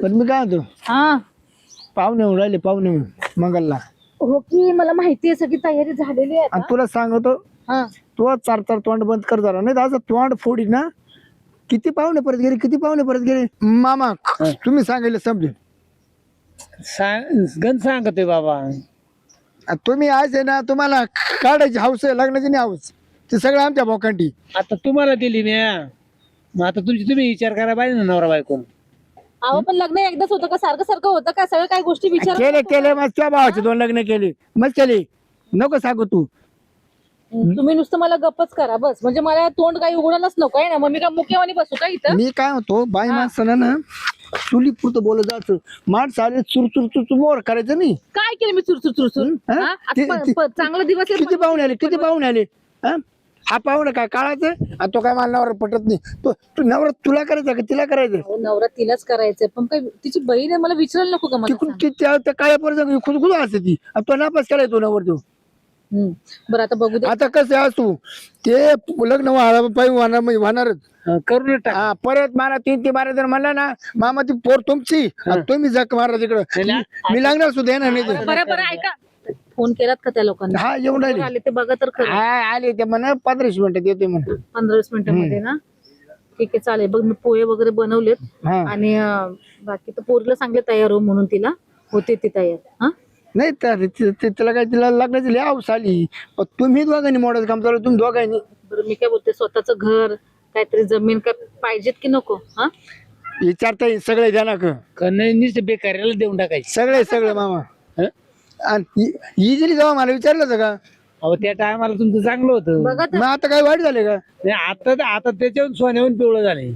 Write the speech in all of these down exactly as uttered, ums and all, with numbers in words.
पण मी काय म्हणतो हा पाहुणे होऊन राहिले पाहुणे मंगलला हो की मला माहिती आहे सगळी तयारी झालेली आहे आणि आता. तुला सांगतो हा तू चार चार तोंड बंद कर जरा नाही तर असं तोंड फोडी ना किती पाहुणे परत गेले किती पाहुणे परत गेले मामा तुम्ही सांगितलं समजेल सांग गण सांगतोय बाबा. आणि तुम्ही आज आहे ना तुम्हाला काढायची हाऊस आहे लग्नाची नाही हाऊस ते सगळं आमच्या भोकांटी आता तुम्हाला दिली मी हा. मग आता तुमची तुम्ही विचार करा पाहिजे ना नवरा बायको. अहो पण लग्न एकदाच होतं का सारखं सारखं होतं का सगळं काही गोष्टी विचार केले केले मग त्या भावाचे दोन लग्न केले मग केले नको सांगू तू तुम्ही नुसतं मला गप्पच करा बस म्हणजे मला तोंड काही उघडायलाच नको आहे ना मग मी काय मुख्यवानी बसू का इथं. मी काय होतो बाई माणसानं ना चुली पुरतं बोलत जायचं माणसं आले चुर चुर चुर चुर मोर करायचं नाही काय केलं मी चुरचुर चुरचुर हा? हा? आता ते- प- ते- प- चांगला दिवस आहे किती पाहुणे आले किती पाहुणे आले हा हा पाहुणे काय काळाचं आणि तो काय मला नवरा पटत नाही तो तू नवरा तुला करायचा का तिला करायचं अहो, नवरा तिलाच करायचंय पण काय तिची बहीण आहे मला विचारायला नको का मला तिकडून सांग? ती त्या त्या काळ्या पोराचं खुद खुद असते ती आणि तो नापास केलाय तो नवर तो हम्म. बरं आता बघू दे आता कसं आहे तू ते लग्न व्हायला पाहिजे होणार म्हणजे होणारच हा, करून टाक. हा परत मला तीन ती बारा जर म्हणला ना मामा ती पोर तुमची आणि तुम्ही जग मारा तिकडं मी लागणार सुद्धा येणार नाही ते. बरं बरं ऐका फोन केलात का त्या लोकांना हा येऊन राहिले आले ते बघा तर खरं हा आले ते म्हणा पंधराशे मिनिटात येते म्हणून पंधरा वीस मिनिटांमध्ये ना ठीक आहे चालेल बघ मी पोहे वगैरे बनवलेत हा आणि अं, बाकी तर पोरीला सांगले तयार हो म्हणून तिला होते ती तयार हा नाही तर ते- ते- तिला काय तिला लग्नाची लय हाऊस आली पण तुम्ही दोघांनी मोडाचं काम चालू तुम्ही दोघांनी बरं मी काय बोलते स्वतःच घर काहीतरी जमीन काय पाहिजेत की नको हा विचारता येईल सगळे द्या का का नाही नुसते बेकार्याला देऊन टाकायचे. सगळे सगळे मामा हं? आणि इजिली जावा मला विचारलं होतं का अहो त्या टायमाला तुमचं चांगलं होतं. बघा तर मग आता काय वाईट झाले का नाही, आता आता त्याच्याहून सोन्याहून पिवळं झाले.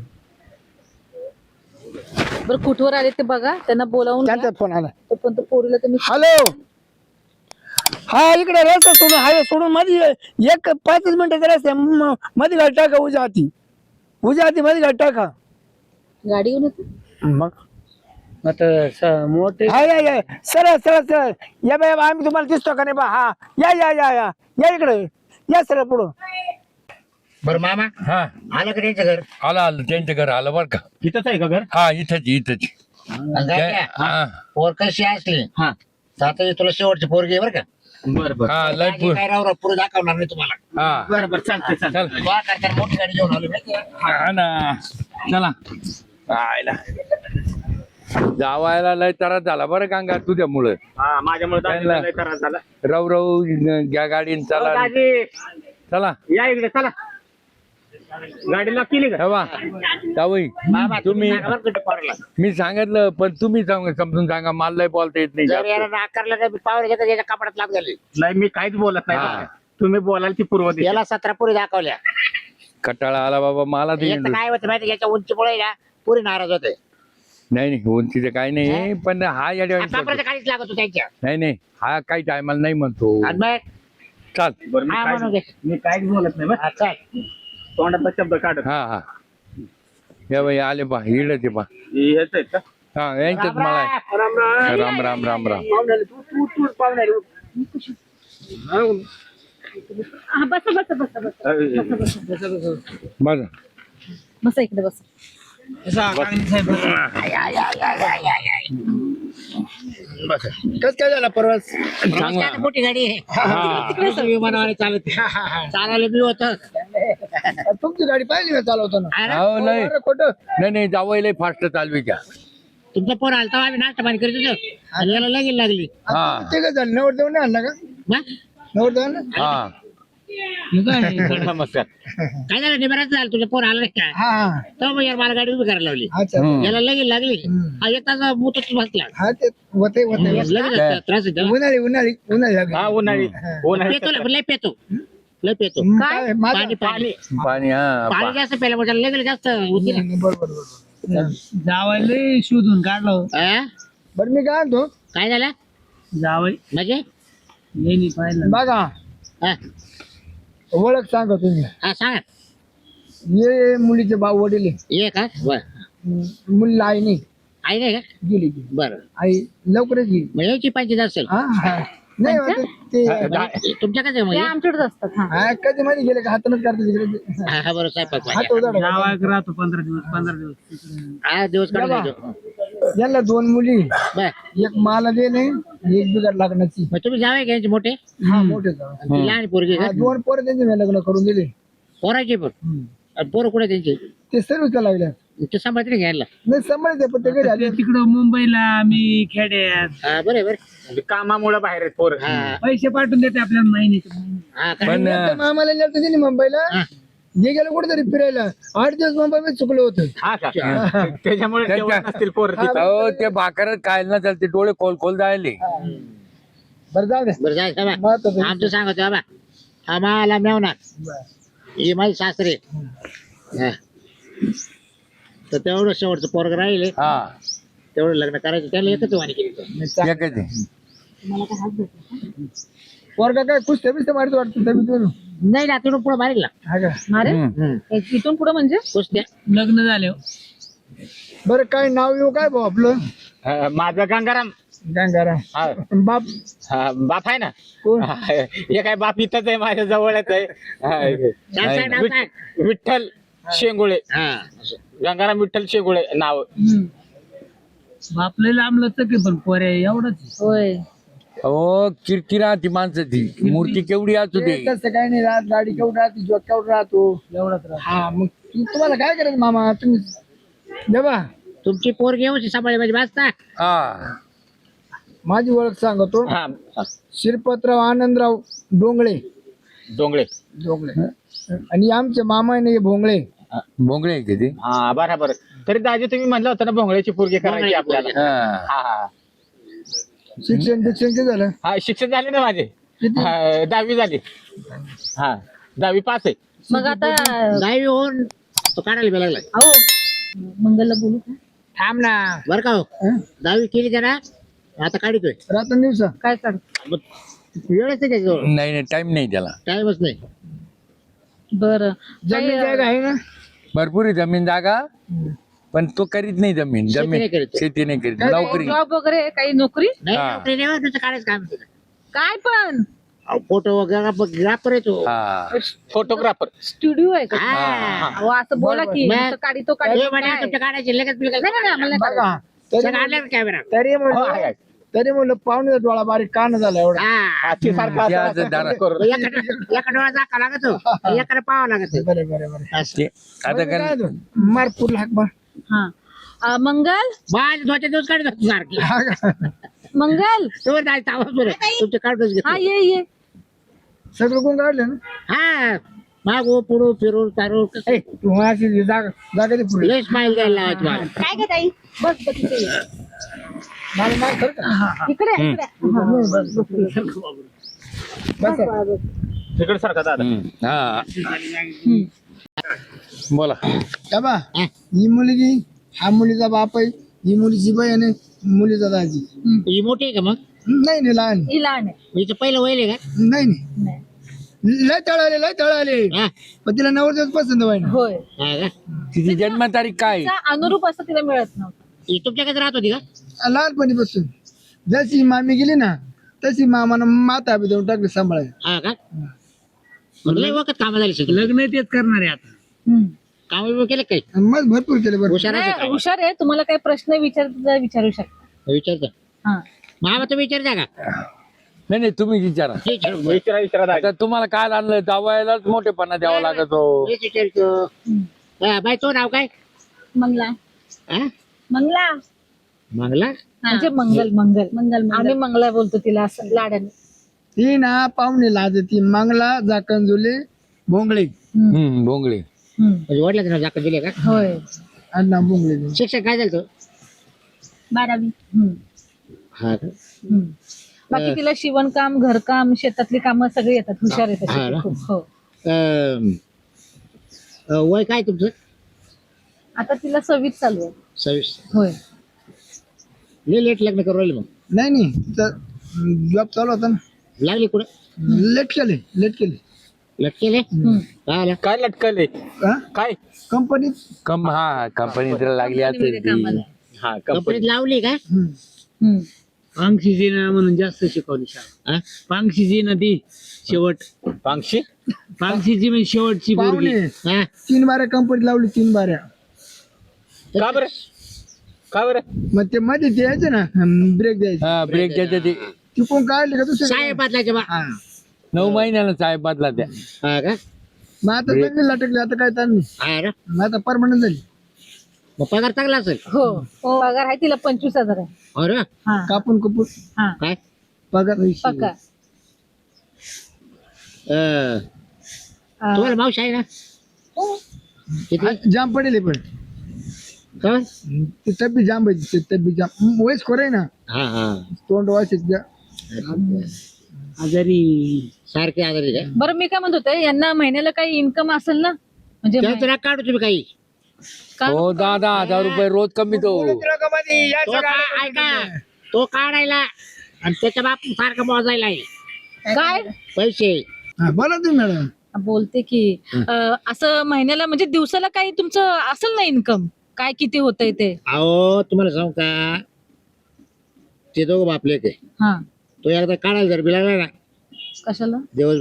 बरं कुठवर आले ते बघा त्यांना बोलावून घ्या. त्यांचा फोन आला तोपर्यंत पोरीला तुम्ही हॅलो हा इकडे रस्ता सोडून हायवे सोडून मध्ये एक पाचच मिनिटाचा रस्ता आहे. म- मध्ये गाडी टाका उजा हाती उजा हाती मध्ये गाडी टाका गाडी घेऊन येतो मग आता स- मोठे हा या या सरळ सरळ सरळ या बाय आम्ही तुम्हाला दिसतो का नाही बा हा या या या या या इकडे या सरळ पुढं बरं मामा हा आलं का त्यांचं घर आलं आलं त्यांच्या घर आलं बरं का इथंच आहे का घर हा इथंच इथंच जायचं? हा पोर कशी असली हा आता तुला शेवटची पोरगी आहे बरं का बर बर हा लय माझी काय राव पुढे दाखवणार नाही तुम्हाला हा बरं बरं चालतंय चालतंय. चल गोळा करताना मोठी गाडी घेऊन आलो माहिती आहे? हा ना चला आयला जावायला लय त्रास झाला बरं गंगा तुझ्यामुळं हा माझ्यामुळे त्यांना- दाजीला लय त्रास झाला. रव रव घ्या गाडीन ओ, चला दाजी चला या इकडे चला गाडी लॉक केली का ठेवा जावई मामा तुम्ही सांगा बरं तुझ्या पोराला. मी सांगितलं पण तुम्ही सांग- समजून सांगा मला लय बोलता येत नाही जर जास्त. याला नाकारलं तर पावर घेतात याच्या कपड्यात लाभ झाली नाही मी काहीच बोलत नाही हा. बरं का. तुम्ही बोलाल ती पूर्व दिशा. याला सतरा पुरी दाखवल्या कटाळा आला बाबा मला ते एक तर काय होतं माहिती याच्या उंचीमुळे ना पुरी नाराज होते नाही नाही उंचीचं काही नाही पण हा या कपड्याचं काहीच लागत होतं त्यांच्या नाही नाही हा काही टायमाला नाही म्हणतो आणि मग चाल बरं मी हा, काहीच- म्हणून घे. मी काहीच बोलत नाही बरं. हा, चल. तोंडातला शब्द काढत हा हा या बाई आले पा इड ते पा हे हेच आहेत का हा यांच्यात राम मला आहे. राम. राम राम राम राम राम राम पाहुणे तू तू तू पाहुणे हा, बसा बसा बसा बसा बघा बसा इकडे बसा कस काय झाला परवास चांगला काय मोठी गाडी आहे हा तिकडे विमानावर चालत चालायला मी होत तुमची गाडी पाहिली का चालवताना हो नाही अरे खोटं नाही नाही जावं लय फास्ट चालवी का तुमचा पोर आलता आम्ही नाश्ता पाणी करीत होतो आणि याला लगेच लागली हा ते काय झालं नवर देऊन आणला का ना? नवर देऊन हा नमस्कार काय झालं निबराच झालं तुझ्या पोर आला नाही का हा हा तर मग यार मला गाडी उभी करायला लावली अच्छा हम्म. याला लगेच लागली हा एक तास मोठच बसला हा ते होते होते लगेच त्रास होतो उन्हाळी उन्हाळी उन्हाळी लागली. हा उन्हाळी उन्हाळी पेतो लय पेतो लय पेतो हम्म, काय? काय? माझं- पाणी पाणी पाणी हा पाणी पा- जास्त प्यायला म्हणजे लगेच जास्त होती ना. बरोबर बरोबर जावायला शोधून काढलो हा? बरं मी काय म्हणतो काय झालं जावाई म्हणजे नेहमी पाहिलं बघा हा ओळख सांगा तुम्ही हा, सांगा ये मुलीचे भाऊ वडील आहे. ये का बर हम्म, मुलीला आई नाही आई नाही का गेली गेली बरं आई लवकरच गेली मग याची पंचायत असेल हा हा नाही होत ते म्हणजे तुमच्याकडे ते म्हणजे आमच्याकडेच असतात हा हा, कधी मध्ये गेले का हातानच करते तिकडे हा हा, बरोबर स्वयंपाक हात उजाडा. जावायक राहतो पंधरा दिवस पंधरा दिवस हा दिवस काढून बाबा. जायचो. यांना दोन मुली बर एक माला देणे एक बिघड लागण्याची मग तुम्ही जावे घ्यायचे मोठे हा मोठे जाऊ. ती लहान पोरगी हा, दोन पोरं त्यांचे मी लग्न करून दिले. पोराचे पण आणि पोरं कुठे त्यांचे ते सर्विसला लागल्या ते सांभाळते घ्यायला नाही सांभाळते पण ते घरी आले तिकडं मुंबईला आम्ही खेड्यात हा बरं बरं म्हणजे कामामुळे बाहेर आहेत पोरं. हा पैसे पाठवून देते आपल्याला महिन्याचे हा काय? पण त्या मामाला नेलं त्यांनी मुंबईला हा. जे गेलं कुठेतरी फिरायला आठ दिवस मुंबईमध्ये चुकलं होतं. हा का त्याच्यामुळे जेवत नसतील पोरं तिथं. अहो ते भाकर खायला चालते डोळे खोल खोल जायले. बरं जाऊ दे बरं जायचं बा महत्वाचं. आमचं सांगतो बाबा आम्हाला मेवणार बरं. ही माझी सासरे हा. तर तेवढं शेवटचं पोरग राहिले हा तेवढं लग्न करायचं त्याला एकच वाणी केली तर. नाही, चा- एकच आहे. पोरगा काय कुस्त्या बिस्त्या मारतो वाटतं तब्येतीवरून. नाही ना तिथून पुढे मारेल ना हा का अरे हम्म. इथून पुढे म्हणजे कुस्त्या लग्न झाले बरं काय नाव येऊ काय भाऊ आपलं हा, माझं गंगाराम गंगाराम हा बाप हा, बाप आहे ना कोण हा, हे काय बाप इथंच आहे माझ्या जवळच आहे हा, सांग सांग नाव सांग. विठ्ठल शेंगुळे हा असं. गंगाराम विठ्ठल शेंगुळे नाव. आपल्याला लांबलं तर की पण पोरे एवढंच होय अहो किरकिरा ती माणसाची मूर्ती केवढी असू दे. ते तसं काय नाही राहत गाडी केवढं राहते जॉक केवढं राहतो एवढंच राहतं. हा मग तु- तुम्हाला काय करायचं मामा तुम्ही देवा तुमची पोरगी येऊन सांभाळली म्हणजे वाचता हा माझी ओळख सांगतो हा हा, शिरपतराव आनंदराव डोंगळे डोंगळे डोंगळे आणि आमचे मामा आहे ना हे भोंगळे भोंगळे आहे का ते? हा बरोबर. तरी दाजी तुम्ही म्हणलं होतं ना भोंगळ्याची पोरगी करायची भोंगळ्याची आपल्याला. हा. हा हा शिक्षण शिक्षण किती झालं हा शिक्षण झाले ना माझे हा, दहावी झाली. हा दहावी पास आहे. मग आता दहावी होऊन तो काढायला बी लागलाय अहो मंगलला बोलू का थांब ना बरं का हो हं? दहावी केली त्याला आता काढतोय रात्र दिवसा काय काढ मग वेळच नाही त्याच्याजवळ नाही नाही टाइम नाही त्याला. टाइमच नाही बर जमीन जागा आहे ना भरपूर आहे जमीन जागा पण तो करीत नाही जमीन शेती जमीन नाही करीत तो. शेती नाही करीत नोकरी. जॉब वगैरे काही नोकरी नाही हा. नोकरी नाही होत, नुसतं काढायचं काम तिथं. काय पण अहो, फोटो वगैरे ग्राफर येतो हा फोटोग्राफर. स्टुडिओ आहे का हा. अहो, असं बोला की बरं. नुसतं काढी तो काढी हे म्हणे काय? तुमच्या काढायचे लगेच बिलगेच. नाही, नाही, नाही, आम्हाला नाही बघा तरी सगळं आणलं कॅमेरा तरी हो, आहे, म्हणलं आहे. तरी म्हणलं पाहुणे डोळा बारीक कान झाला एवढा हा हातीसारखा ते असं- असं दारा- असं करून. एका एका डोळा दाखवा लागत हो एका पाहावं लागत बरं बरं बरं ते आता काय कर होतं? मार पुरला हाक मार हा अं, मंगल माझ दोनच्या दिवस काढत होतो सारखी हा का? मंगल तुम्ही जायचं आवाज बरं तुमचे काढूच हा घेतो ये ये सगळं कोण काढलं ना हा मागो पुढो फिरू चारू कसं ए, तू माझी जागा जागा दे पुढे लय स्माईल द्यायला लावायची मला काय ग ताई बस बस इथे ये. मला मार खरं का? इकडे इकडे हा, बस, बस, बस. बस तिकडे सारखा दादा. हम्म. हा बोला. का बा हा. ही मुलगी हा मुलीचा बाप आहे ही मुलीची बहीण आहे मुलीचा दाजी ही मोठी आहे का मग नाही नाही लहान ही लहान आहे हिचं पहिलं वैल आहे का नाही नाही नाही. लय तळाले लय तळाले हा पण तिला नवरदेवच पसंत व्हायना होय हा का तिची जन्मतारीख काय? तिचा अनुरूप असं तिला मिळत नव्हतं ही तुमच्याकडे राहत होती का लहानपणीपासून जशी मामी गेली ना तशी मामानं माता बी देऊन टाकली सांभाळायला हा का मग लय वखत कामं झाली सगळी लग्न तेच करणार आहे आता. हम्म. काम बिम केलं काही आणि मग भरपूर केले बरं हुशार आहे नाही, हुशार आहे तुम्हाला काही प्रश्न विचार विचारू शकता विचारता हा मामा तुम्ही विचारता का नाही नाही तुम्ही विचारा. हे विचारू. विचारा विचारा दादा. आता तुम्हाला काय आणलं जावायलाच मोठेपणा द्यावा लागत हो. हेच विचारतो हा, बाई तो नाव काय मंगला हा मंगला मंगला म्हणजे मंगल मंगल मंगल आम्ही मंगला बोलतो तिला असं लाडाने ती ना पाहुणे लाजती मंगला जाकंजुले भोंगळे हम्म भोंगळे. हम्म. म्हणजे वडिलांचं नाव जाकत दिले का होय अण्णा भोंगळे शिक्षण काय झालं तो बारावी हम्म. हा का हम्म. बाकी तिला शिवणकाम घरकाम शेतातली कामं सगळी येतात हुशार येतात हा ना? खूप हो अं, अं, वय काय तुमचं आता तिला सव्वीस चालू आहे सव्वीस होय लय लेट लग्न करू राहिले मग नाही नाही तर जॉब चालू होता ना लागली कुठं लेट केले लेट केले लेट केले हम्म. काय आलं काय लटकले हा काय कंपनीत कम हा कंपनी तर लागली कंपनीमध्ये असेल ती. कामाला. हा कंपनीत कंपनी लावली का हम्म. हम्म. पांगशीची ना म्हणून जास्त शिकवली शाळा. हा? पांगशीची ना ती शेवट पांगशी. पांगशीची म्हणजे शेवटची पोरगी. पाहुणे हा? तीन बाऱ्या कंपनीत लावली तीन बाऱ्या का बरं का बरं मग ते मध्ये ते यायचे ना ब्रेक द्यायचे हा ब्रेक द्यायचं ते ती कोण काढले का दुसरे साहेब बदलायचे बा हा नऊ महिन्यानं साहेब बदला त्या हा का मग आता चांगली लटकली आता काय ताण नाही हा ना मग आता परमनंट झाली मग पगार चांगला असेल हो हो पगार आहे तिला पंचवीस हजार आहे अरे हा कापून कपून हा काय पगार पक्का अं, हा. तुम्हाला मावशी आहे ना हो. किती हा, जाम पडेल हे पण का ते तब्बी जाम पाहिजे ते तब्बी जाम वयस खोर आहे ना हा हा तोंड वास आजारी सारखे आजारी काय बरं मी काय म्हणत होते यांना महिन्याला काही इन्कम असेल ना म्हणजे त्यांचं ना काढू तुम्ही काही का- हो दहा दहा हजार रुपये रोज कमी तो तो का- ऐका तो काढायला आणि त्याच्या बाप सारखं मोजायला आहे काय पैसे बोला तुम्ही मॅडम बोलते की अं, असं महिन्याला म्हणजे दिवसाला काही तुमचं असेल ना इन्कम काय किती होतंय ते अहो तुम्हाला सांगू का ते दोघं बापले ते हा तो एकदा काढायला जर बिलाला ना कशाला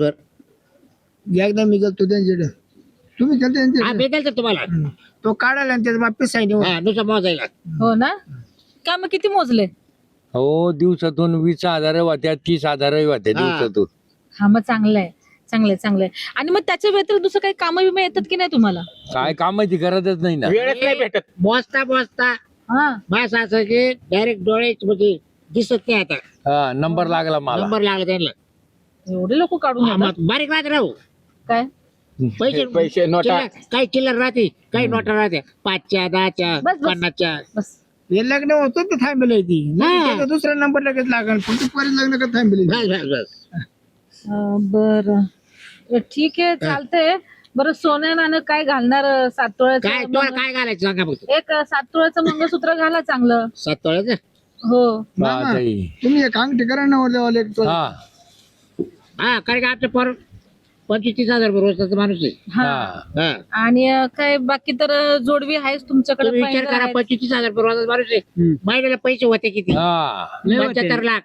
दिवसभर एकदा मी गेलो त्यांच्याकडे तुम्ही गेलते हा त्यांच्याकडे भेटेल तर तुम्हाला तो काढायला आणि त्याचा बाप साईड हा नुसतं मोजायला हो ना का मग किती मोजले हो दिवसातून वीस हजार होत्या तीस हजार होत्या हा. दिवसातून हा मग चांगलं आहे चांगलं आहे चांगलं आहे आणि मग त्याच्या व्यतिरिक्त दुसरं काही कामं विमा येतात की नाही तुम्हाला काय कामाची गरजच नाही ना वेळच नाही भेटत मोजता मोजता हा बस असं की डायरेक्ट डोळे म्हणजे दिसत नाही आता हा नंबर लागला मला नंबर लागला त्यांना एवढे लोक काढून हा, येतात? मग बारीक राहते राहू काय पैसे पैसे नोटा चिल्लर- काही चिल्लर राहते काही नोटा राहते पाचच्या दहाच्या बस, बस. पन्नासच्या बस हे लग्न होतं तर थांबेल ती हा. त्याचा दुसरा नंबर लगेच लागल पण तू परत लग्न का थांबेल बस बस बस बर ठीक आहे चालतंय बरं सोन्या नाणं काय घालणार अं, सात काय तोळ्याचं तुला मंग- काय घालायचं सांगा फक्त एक अं, सात तोळ्याचं मंगळसूत्र घाला चांगलं सात तोळ्याचं हो मामा, ताई. तुम्ही एक अंगठी करा ना वरल्या एक तो- हा हा कारण का आमचं पर पंचवीस तीस हजार रुपये रोजचा माणूस आहे हा हा हा आणि अं, काय बाकी तर अं, जोडवी आहेच तुमच्याकडे तुम्ही विचार पैंजण करा आहेत. पंचवीस तीस हजार रुपये रोजचा माणूस आहे महिन्याला पैसे होते किती हा लय होते. पंच्याहत्तर लाख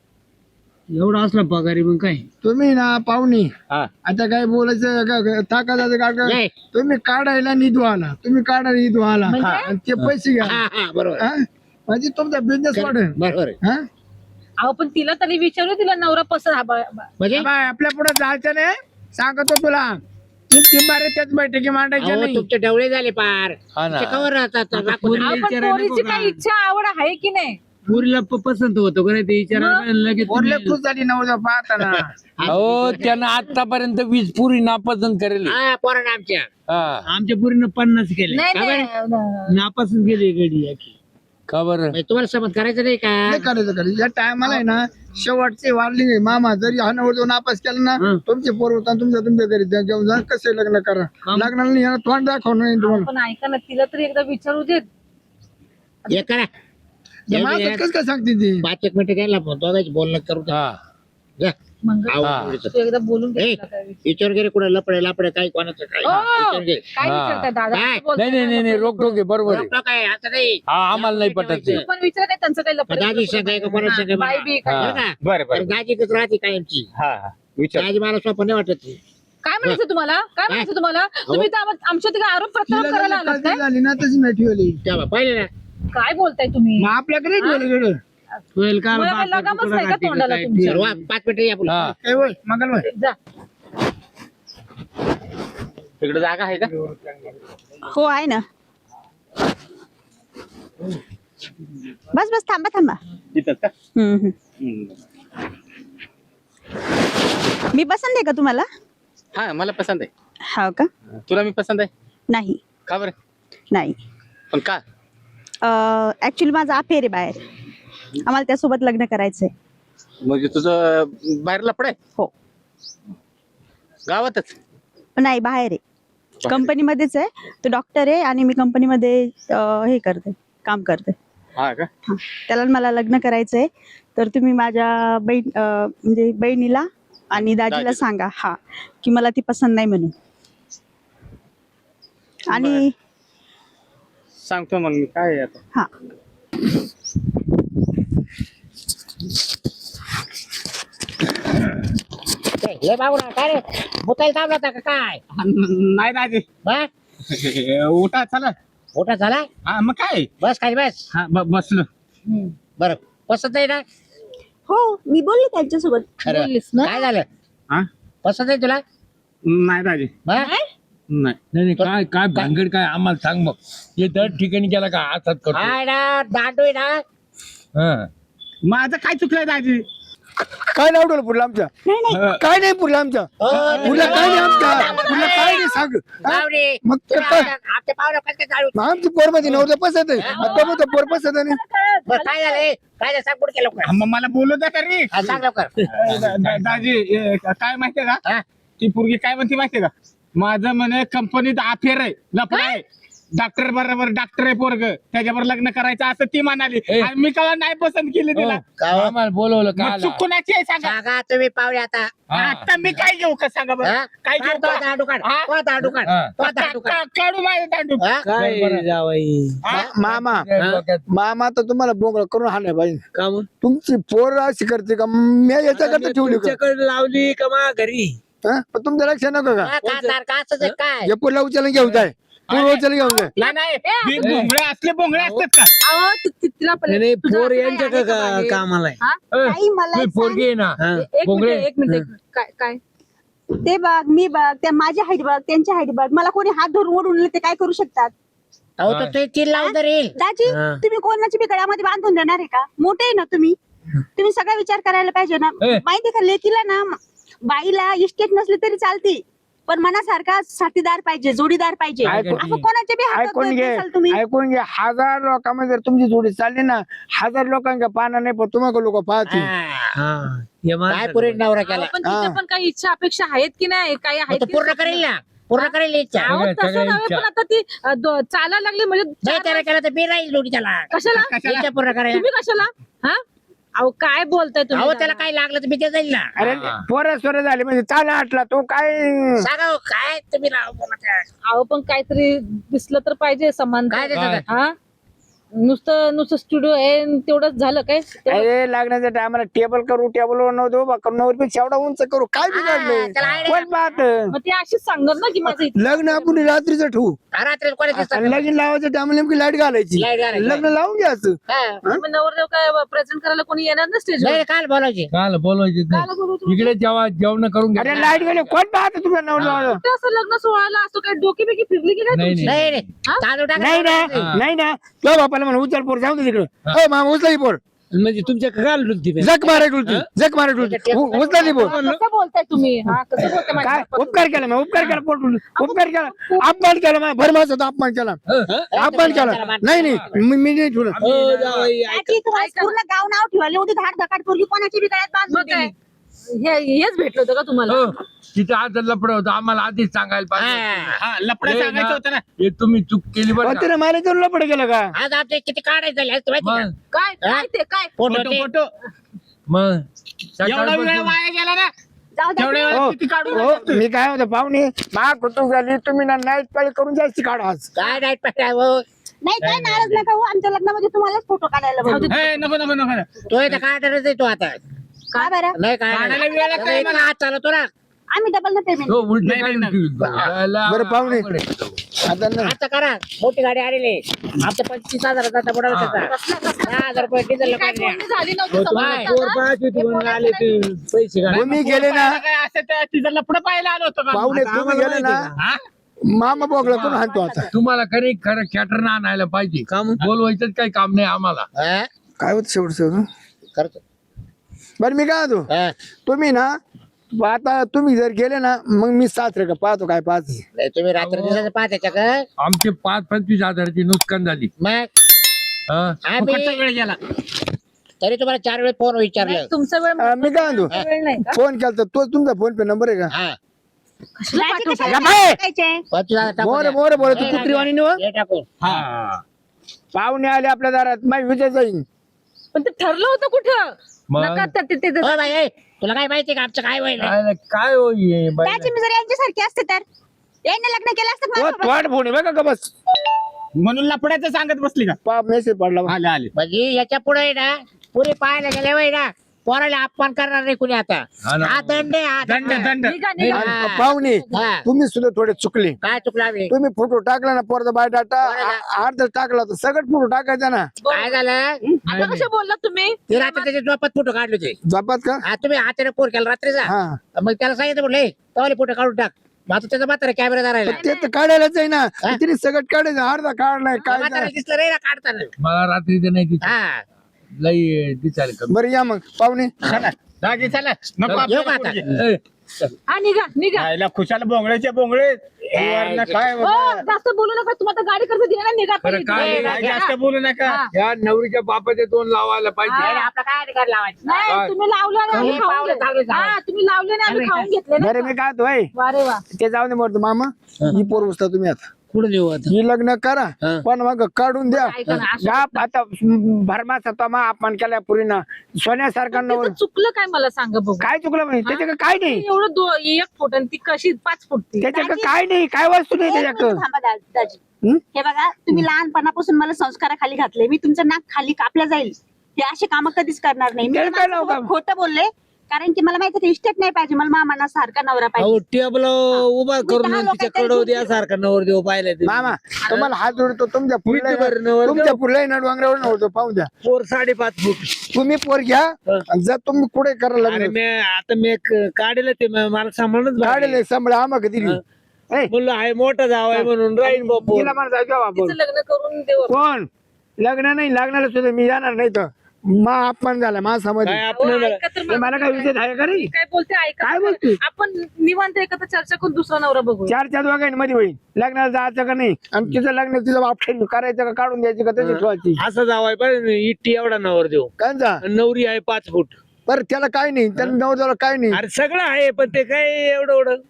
एवढा असला पगारी मग काय तुम्ही ना पाहुणे हा आता काय बोलायचं का- का- ताकाचं का का- नाही. तुम्ही काढायला निधू आला तुम्ही काढायला निधू आला म्हणजे? आणि ते पैसे घ्या हा हा बरोबर हा? म्हणजे तुमचा बिझनेस वाढेल बरोबर आहे. हा? अहो पण तिला तरी विचारू तिला नवरा पसंत हा बा- बा- म्हणजे बाय, आपल्या पुढे जायचं नाही सांगतो तुला तीन तीन बारे त्याच बैठकी मांडायच्या अहो, नाही तुमचे डवळे झाले पार हा ना. ते कवर राहतात राखून. अहो, पण विचारायला पोरीची नको काही का? इच्छा आवड आहे की नाही पुरीला प- पसंत होतो का नाही ते विचारायला मग? पाहिजे लगेच वरले तुम्ही- खुश झाली नवजा पाहताना हो त्यानं आतापर्यंत वीज पुरी नापसंत करेल हा पोरांना आमच्या हा आमच्या पुरीनं पन्नास केले नाही का नाही न- नापासून गेली गडी आखी. का बरं म्हणजे तुम्हाला समज करायचं नाही का नाही करायचं करायचं या टायमाला आहे ना शेवटचे वाढली मामा जरी हा नवर नापास केला ना हं. तुमचे पोर होता तुमच्या तुमच्या घरी जा- घेऊन जा कसे लग्न करा लग्नाला नाही येणार, तोंड दाखवणार नाही तुम्हाला पण ऐका ना तिला तरी एकदा विचारू देत हे करा या माणसात कसं काय सांगते ती पाच एक मिनिटं द्यायला दोघांची बोलणं करू द्या. हा जा. मंगळ आहो, हा. पुढचं. तू एकदा बोलून घे ए, तिला काय विचार- विचार घे कुठे लपडे लपडे काही कोणाचं काय ओ, विचार घे काय हा. विचारताय दादा काय? असं बोलताय नाही नाही नाही नाही ना, रोक टोके बरोबर आहे रोखटोक आहे असं नाही हा आम्हाला नाही पटत ते तू पण विचार काय त्यांचं काही लफडं- दादी सांगाय का कोणाचं सांगाय बाई मला? बी काय हा. बरं का? बरं बरं आणि दाजी कसं राहते कायमची हा हा विचार दाजी मला स्वप्न नाही वाटत ती. काय म्हणायचं तुम्हाला काय म्हणायचं तुम्हाला तुम्ही तर आम- आमच्या तिकडे आरोप प्रत्यारोप तिला करायला जरी आलात काळजी काय झाली ना तशी नाही ठेवली तेव्हा पाहिले ना काय बोलताय तुम्ही मग आपल्याकडे ठेवलं होईल का मला बाप लगामच तुकडा नाही का काठी का तोंडाला काय? तुमच्या? सर्व पाच मिनिटं या बोला. हा काय होय मंगलवार जा तिकडे जागा आहे का हो आहे ना. बस बस थांबा थांबा. तिथं का हम्म, हम्म. हम्म. मी पसंत आहे का तुम्हाला? हा मला पसंत आहे हो का? तुला मी पसंत आहे नाही का बरं नाही पण का ऍक्च्युली माझा अफेअर आहे बाहेर. आम्हाला त्यासोबत लग्न करायचंय. म्हणजे तुझं बाहेर लपड आहे हो. गावातच नाही बाहेर आहे कंपनीमध्येच आहे. तो डॉक्टर आहे आणि मी कंपनीमध्ये हे करते काम करते. हा का हा त्याला मला लग्न करायचंय तर तुम्ही माझ्या बहीण अं, म्हणजे बहिणीला आणि दाजीला दाजीला. सांगा हा की मला ती पसंत नाही म्हणून. आणि सांगतो मग मी काय आहे आता हा ए, हे बाबूराव, काय रे मुतायला थांबला होता का काय नाही दाजी बा? उठा चला मोठा झाला हा मग काय बस खाली बस हा ब- बसलो बरं पसंत आहे ना हो मी बोलले त्यांच्यासोबत. खरं बोललीस ना? काय झालं हा पसंत आहे तुला नाही दाजी हा? नाही नाही नाही, काय काय भानगड काय आम्हाला सांग मग हे दर ठिकाणी गेला का हातात करतो हाय ना दांडू आहे ना हा. माझं काय चुकलंय दाजी काय नाही उडवलं पुढलं आमच्या नाही नाही काय नाही पुढलं आमच्या हो, पुढलं काय नाही आमच्या पुढलं काय नाही सांग हा? गावडे, मग ते तुम्ही काय? आमच्या आमच्या पाहुण्या कसं काय जाळू? मग आमची पोर मध्ये नव्हतं पसंत आहे आता मग पोर पसंत आहे नाही. बरं, काय झालंय काय झालं सांग पुढे लवकर हा, मग मला बोलू द्या तरी हा, सांग लवकर दा- दा- दाजी ए, काय माहितीये का हा? ती पोरगी काय म्हणते माहितीये का माझं म्हणे कंपनीत अफेअर आहे लफडा आहे डॉक्टर बरोबर डॉक्टर आहे पोरग त्याच्यावर लग्न करायचं असं ती म्हणाली ए. आणि मी का नाही पसंत केली तिला का हो? आम्हाला बोलवलं मग काय चूक कोणाची आहे सांगा सांगा तुम्ही पाहुणे आता आता मी काय घेऊ का सांगा बरं हा? काय काढ घेऊ तो का? दांडू काढ हा? तो दांडू काढ हा. तो का- दांडू काढ का- काढू माझं दांडू हा? काय जावाई हा? मामा डोक्यात. मामा तर तुम्हाला बोंगळ करून हाणलं पाहिजे का मग तुमची पोर अशी करते का मी याच्याकरता ठेवली का तुमच्याकडे लावली का मा घरी हा? पण तुमचं लक्ष नको का हा, काय तार- काय असं ते काय हे पुढला उचलून घेऊन जाय पुढे उचलून घेऊन जाय नाही नाही हे भोंगळे असले भोंगळे असतात का अहो, ति- ति- तिला पण- नाही, नाही तुझं पोर असं काही यांच्या आहे का का- मागे? कामाला आहे. हा? ए, ताई, मला तुझी एक पोरगी आहे ना हा. एक बोंगळे. मिनिट एक मिनिट एक मिनिट. काय काय ते बघ मी बघ त्या माझी हाईट बघ त्यांची हाईट बघ मला कोणी हात धरून ओढून ते काय करू शकतात. अहो तर ते तीन लावून तर येईल दाजी हा. तुम्ही कोणाची बी गळ्यामध्ये बांधून देणार आहे का? मोठे आहे ना तुम्ही तुम्ही सगळा विचार करायला पाहिजे ना. ए. माहिती का लेकीला ना बाईला इस्टेट नसली तरी चालती पण मनासारखा साथीदार पाहिजे जोडीदार पाहिजे. ऐकून- असं कोणाच्या बी हातात ऐकून धरत घे नसाल तुम्ही. ऐकून घे हजार लोकांमध्ये जर तुमची जोडी चालली ना हजार लोकांच्या पाना नाही पण तुम्हाला लोक पाहतील हा. हा हे काय माणसं- पुरी नवरा अहो, केला पण तिच्या हा. पण काही इच्छा अपेक्षा आहेत की नाही काही मग आहेत तो की पूर्ण नाही? करेल ना पूर्ण करेल इच्छा अहो, सगळ्या- तसं सगळ्या नव्हे, इच्छा. पण आता ती अ, दो- चालायला लागली म्हणजे नाही चार त्याला केलं तर मी राहील जोडी त्याला कशाला इच्छा पूर्ण करायला तुम्ही कशाला हा अहो काय बोलताय तुम्ही अहो दादा? त्याला काय लागलं तर मी ते जाईल ना अरे पोरं सोरं झाले म्हणजे चाला आटला तो काय सांगा हो, काय तुम्ही राव बोलता? अहो पण काहीतरी दिसलं तर पाहिजे समान काय दिसलं? हा नुसतं नुसतं स्टुडिओ आहे आणि तेवढंच झालं काय तेवढं- अरे लागण्याच्या टायमाला टेबल करू टेबल वर नव्हतं उभा करू नवर पेक्षा एवढा उंच करू काय हा, त्याला बिघडलं idea कोण पाहत मग ते अशीच सांगणार ना की माझं इथं- लग्न आपण रात्रीचं ठेवू हा, रात्री कोणी दिसतं आणि लगीन लावायच्या टायमाला नेमकी लाईट घालायची Light घालायची. लग्न लावून घ्यायचं हा. मग नवरदेव काय प्रेझेंट करायला कोणी येणार ना स्टेज नाही काल बोलायची काल बोलवायचे नाही. इकडे जेव्हा जेवण करून घ्या अरे लाईट गेले कोण पाहत तुझ्या नवरा असं लग्न सोहळ्याला असतो काय डोकी बिकी फिरली की काय नाही, तुमची? नाही नाही तांदूळ टाका नाही ना हा. नाही ना तो बापाला म्हणून उचल पोर जाऊ दे तिकडं हो मामा उचला ती पोर म्हणजे तुमच्या काल डुलती बे. जग मारे डुलती जग मारे डुलती उ- उचला ती पोर हा, कसं बोलताय तुम्ही हा कसं बोलताय माझ्या काय बापाचं? उपकार केला मग उपकार केला पोट उपकार केला अपमान केला मग भरमाचा अपमान केला अपमान केला नाही नाही मी मी नाही ठेवलं हो जावाई ऐका. दाजी, तुम्हाला पूर्ण गाव नाव ठेवायला एवढी धाड धकाट पोरगी कोणाची बी गळ्यात बांधून मग काय दिली. हे हेच भेटलं होतं का तुम्हाला हो, तिथं आज लपड होतं आम्हाला आधीच सांगायला पाहिजे हा. हा लपडं हे सांगायचं ना, होतं ना हे तुम्ही चूक केली बरं का? तिने मला तर लपड केलं का आज आमचे किती काढायचं झाले आज माहिती मग काय काय ते काय फोटो फोटो ते- फोटो मग एवढा वेळ सकाळपासून वाया गेला ना जाऊ द्या तेवढ्या तुम्ही. वेळात हो किती काढू हो मी काय होतं पाहुणे मा कुतुक झाली तुम्ही ना नाईट पाळी करून जायची काढा आज काय नाही पाहिजे हो. नाही काय नाराज नका हो आमच्या लग्नामध्ये तुम्हालाच फोटो काढायला बोलू. हे, नको नको नको नको. तो इथं काढणारच आहे तो आता का बरं नाही काय काढायला वेळ लागतो नाही. मला. हात चालवतो ना आम्ही डबल ना पेमेंट हो उलटे नाही, काढून नाही, ठेवीत. याला बरं, पाहुणे. अवघड आहे. आता ना आता करा मोठी गाडी आलेली आमच्या पंचवीस हजाराचा आता बुडा त्याचा दहा हजार रुपये डिझेल काय काढल्या बोलणी झाली नव्हती हो, तुम्हाला समोरचा पोर ना? पाहायची होती हे म्हणून बोलायचं आले ते पैसे काढ तुम्ही गेले ना काय असं त्या तिचं लपडं पाहायला आलो होतो का पाहुणे आता तुम्ही आम्हाला गेले ना माहिती हा? मामा बोगला करून हाणतो आता तुम्हाला खरी खरं कॅटर आणायला पाहिजे काम बोलवायचं काही काम नाही आम्हाला हा? काय होत शेवट शेवट करतो बरं मी काय होतो हा. तुम्ही ना आता तुम्ही जर गेले ना मग मी सात रे का पाहतो काय पाहत नाही, तुम्ही रात्र दिवसाचं पाहत्याच्या का आमचे पाच पंचवीस हजाराची नुकसान झाली मग हा? आम्ही फुकटचा वेळ गेला तरी तुम्हाला चार वेळ फोन विचारलं नाही, तुमचा वेळ अं, मी काय म्हणतो वेळ नाही का फोन केला तो तुमचा फोन पे नंबर आहे का हा कशाला दाजी पाठवताय? कशाला या बाई! टाकायचे? पंचवीस हजार टाकून मोर द्या. मोर बोल तू हे कुत्री वाणी निव हे टाकून हा. पाहुणे आले आपल्या दारात माही विजय जाईन पण ते ठरलं होतं कुठं मग? नका ते- ते- ते- हो बाई ए, तुला काय माहिती का आमचं काय होईल काय काय हो हे बाई? दाजी मी जर यांच्यासारखी असते तर यांनी लग्न केलं असतं तो माझ्यासोबत. थोड फोन आहे बघा का बस म्हणून लपड्याचं सांगत बसली का पा मेसेज पडला आले आले म्हणजे याच्या पुढे ना पुरे पाहायला गेले वय ना पोराला अपमान करणार नाही कुणी आता हा ना. हा दंड आहे, हा दंड दंड. दंड निघा निघा हा. पाहुणे हा. तुम्ही सुद्धा थोडे चुकले. काय चुकला आम्ही तुम्ही फोटो टाकला ना पोरचा बायोडाटा अर्ध टाकला तर सगळं फोटो टाकायचा ना. काय झालं आता कसे बोललात तुम्ही ते रात्री त्याच्या झोपात फोटो काढले होते जपात का हा तुम्ही हाताने पोर केला रात्रीचा हा मग त्याला सांगितलं म्हटलं तवाले फोटो काढून टाक मग आता त्याचा म्हातारा कॅमेरा राहिला ते तर काढायलाच आहे ना तिने सगळं काढायचं अर्धा काढलाय काय म्हातारा दिसलं रे काढताना मला रात्रीचं नाही दिसत. हा लई दिसायला कमी. बरं या मग पाहुणे चला जागी चला नको येऊ आपल्याला का आता? पोरगी. ए, हा निघा निघा खायला खुशाल बोंगळेचे बोंगळे वरनं काय हो जास्त बोलू नका तुम्हाला गाडी कर्ज दिलं ना निघा बरं, आता काय- इथून. काय जास्त बोलू नका हा. या नवरीच्या बापाचे दोन लावायला पाहिजे. हा. आपला काय अधिकार लावायचा नाही तुम्ही लावलं ना आम्ही हे खाऊन पावलं घेतलं. चांगले हा तुम्ही लावले ना आम्ही खाऊन घेतले ना बरं मी काय होय वा रे वा ते जाऊ दे म्हणतो मामा ही पोर उचला तुम्ही आता कुठं देऊ आता ही लग्न करा पण मग काढून द्या ऐका ना, असं- या आता भरमाचा तमा अपमान केला पुरीना सोन्यासारखा नवर तिचं चुकलं काय मला सांगा बघू काय चुकलं म्हणजे त्याच्याकडे काय नाही एवढं दो- एक फूट आणि ती कशी पाच फूट ती त्याच्याकडे काय नाही काय वस्तू नाही एक मिनिट त्याच्याकडे थांबा दा- दाजी हं? हे बघा तुम्ही लहानपणापासून मला संस्काराखाली घातले मी तुमचं नाक खाली कापलं जाईल हे असे काम कधीच करणार नाही मी त्याला काय लावू माझ्यासोबत काम? खोटं बोलले कारण की मला माहिती इस्टेट नाही पाहिजे मला मामाना सारखा नवरा अहो पाहिजे टेबल उभा करून दहा तिच्या लोकांच्या कडव घरी द्या सारखा नवर देऊ पाहिला ते मामा तुम्हाला हात जोडतो तुमच्या किती बरं पुढल्या नवर तुमच्या पुढल्या ना डोंगरावर नव्हतो पाहू द्या पोर साडेपाच फूट तुम्ही पोर घ्या आणि जर तुम्ही कुठे करायला अरे लागले मी आता मी क- काढलं ते म- मला सांभाळूनच काढले सांभाळ आम्हा कधी म्हणलं आहे मोठा जाव आहे म्हणून राहीन बापू तिला म्हणा जाऊ आपण तिचं लग्न करून देऊ कोण लग्न नाही लागणार सुद्धा मी जाणार नाही तर मा अपमान झाला मा समज काय हो, आपण ऐका तर मला मला काय विषय आहे का रे मी काय बोलते ऐका काय तर. बोलते? आपण निवांत एकत्र चर्चा करून दुसरा नवरा बघू चार चार वागांमध्ये होईल लग्नाला जायचं का नाही आणि तिचं लग्न तिला ऑप्शन करायचं का काढून द्यायची का तशी ठेवायची असं जाव आहे पाहिजे इट्टी एवढा नवर देऊ कांचा आणि नवरी आहे पाच फूट बरं त्याला काय नाही त्याला नवऱ्याला काय नाही अरे सगळं आहे पण ते काय एवढं एवढं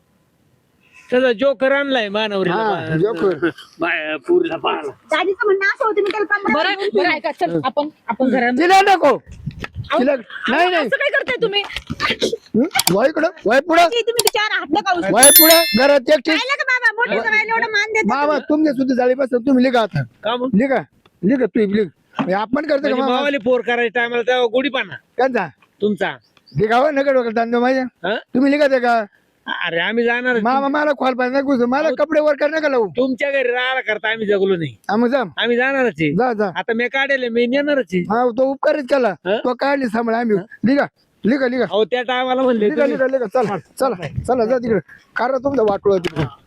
त्याचा जोकर आणलाय हा, मानवरीला जोकर. पुरीला पाहला दाजीचं म्हणणं असं होतं मी त्याला पंधरा बरं बरं ऐका चल आपण आपण घरात तिला नको तिला नाही नाही असं काय करताय तुम्ही हं? वय इकडं वय पुढं तुम्ही त्याच्यावर हात नका उचलू. वय पुढं घरात एकटी पाहिलं का बाबा मोठे जवायला एवढं मान देतात मामा तुमच्या सुद्धा झाली बस तुम्ही लिखा आता का मग लिखा लिखा तू लिख आपण करतो म्हणजे का मामा मावाली पोर करायच्या टायमाला तेव्हा गुढीपाना कांचा तुमचा लिखावं नका डोक्याला तांदूळ माझ्या हं? तुम्ही लिखा ते का अरे आम्ही जाणार मामा मला खोल पाहिजे नाही घुसू. मला कपडे वर कर नका लावू तुमच्या घरी राहायला करता आम्ही जगलो नाही हा, मग जा आम्ही जाणारच आहे जा जा आता मी काढले मी नेणारच आहे हा तो उपकारच केला हं? तो काढली सांभाळ आम्ही लिखा लिखा लिखा अहो त्या टायमाला म्हणले लिखा लिखा लिखा चला चला चला जा तिकडे कारण तुमचं वाटलं तिकडे